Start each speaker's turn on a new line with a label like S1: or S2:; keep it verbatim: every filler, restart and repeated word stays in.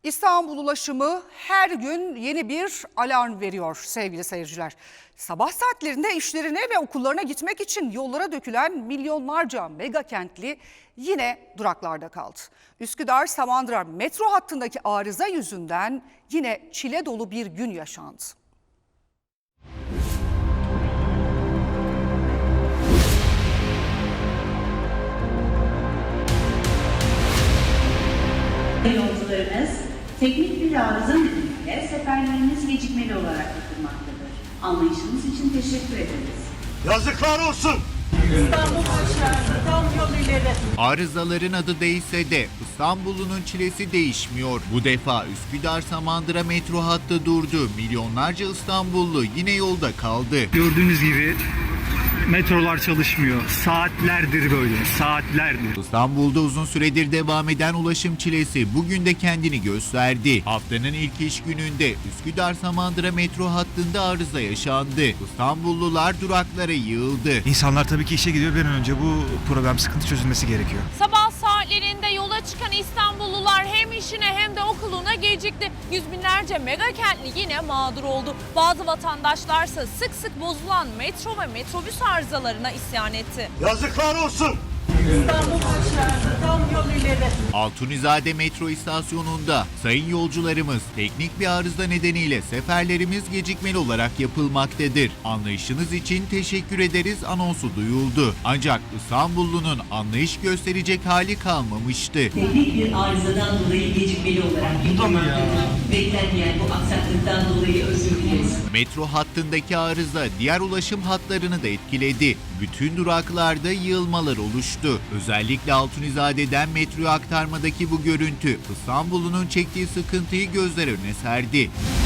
S1: İstanbul ulaşımı her gün yeni bir alarm veriyor sevgili seyirciler. Sabah saatlerinde işlerine ve okullarına gitmek için yollara dökülen milyonlarca mega kentli yine duraklarda kaldı. Üsküdar-Samandıra metro hattındaki arıza yüzünden yine çile dolu bir gün yaşandı.
S2: Yolcularımız, teknik bir arıza nedeniyle seferleriniz gecikmeli olarak yapılmaktadır. Anlayışınız için teşekkür ederiz.
S3: Yazıklar olsun!
S4: İstanbul aşağısı, tam yol ileri.
S5: Arızaların adı değişse de İstanbul'un çilesi değişmiyor. Bu defa Üsküdar-Samandıra metro hattı durdu. Milyonlarca İstanbullu yine yolda kaldı.
S6: Gördüğünüz gibi metrolar çalışmıyor. Saatlerdir böyle, saatlerdir.
S5: İstanbul'da uzun süredir devam eden ulaşım çilesi bugün de kendini gösterdi. Haftanın ilk iş gününde Üsküdar-Samandıra metro hattında arıza yaşandı. İstanbullular duraklara yığıldı.
S7: İnsanlar tabii ki işe gidiyor. Bir an önce bu problem sıkıntı çözülmesi gerekiyor.
S4: Sabah saatlerinde yola çıkan İstanbullular hem işine hem de okuluna gecikti. Yüz binlerce mega kentli yine mağdur oldu. Bazı vatandaşlarsa sık sık bozulan metro ve metrobüs arızalarına isyan etti.
S3: Yazıklar olsun!
S4: İstanbul aşağısı, tam yol ileri.
S5: Altunizade metro istasyonunda sayın yolcularımız teknik bir arıza nedeniyle seferlerimiz gecikmeli olarak yapılmaktadır. Anlayışınız için teşekkür ederiz anonsu duyuldu. Ancak İstanbullunun anlayış gösterecek hali kalmamıştı.
S8: Teknik bir arızadan dolayı gecikmeli olarak yapılmaktadır. Beklenmeyen bu aksaklıktan dolayı özür dileriz.
S5: Metro hattındaki arıza diğer ulaşım hatlarını da etkiledi. Bütün duraklarda yığılmalar oluştu. Özellikle Altunizade'den metroya aktarmadaki bu görüntü İstanbul'un çektiği sıkıntıyı gözler önüne serdi.